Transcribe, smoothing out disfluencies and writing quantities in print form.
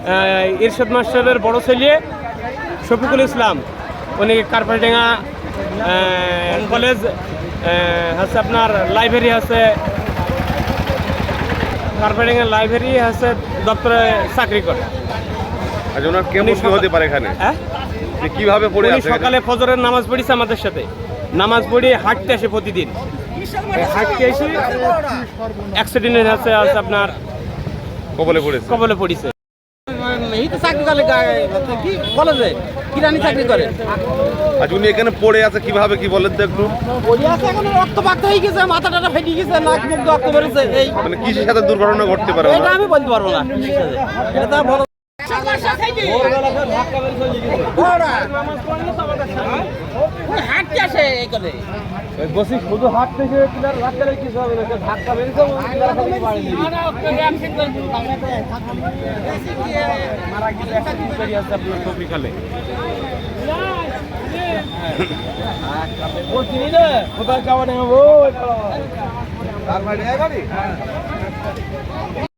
ইরশাদ মাস্টারের বড় ছেলে শফিকুল ইসলাম, উনি কার্পারডাঙ্গা কলেজ হচ্ছে আপনার লাইব্রেরি আছে, কার্পারডাঙ্গা লাইব্রেরি আছে দপ্তরে চাকরি করে। আচ্ছা, ওনার কেমন কি হতে পারে এখানে? হ্যাঁ, কিভাবে পড়ে আছে? সকালে ফজরের নামাজ পড়িছে আমাদের সাথে, নামাজ পড়ি হাঁটতে আসে প্রতিদিন, হাঁটতে এসে অ্যাক্সিডেন্ট আছে আপনার কবলে পড়েছে। এই তো চাকরি করে কি কলেজে কিরানি চাকরি করে। আচ্ছা, উনি এখানে পড়ে আছে কিভাবে কি বলেন তো একটু? পড়ে আছে এখন, রক্তপাত হয়ে গেছে, মাথা টাটা ফেটে গেছে, নাক মুখ রক্ত বেরোছে। এই মানে কিসের সাথে দুর্ঘটনা ঘটতে পারে? এটা আমি বলতে পারবো না, এটা তো বড় হাঁটতে আসে এই করে বসি শুধু হাঁটতেছে, কিছু হবে না, ধাক্কা মেরেছে মারা গেছে আপনার টপিকালে। কোথায় যাওয়া নেই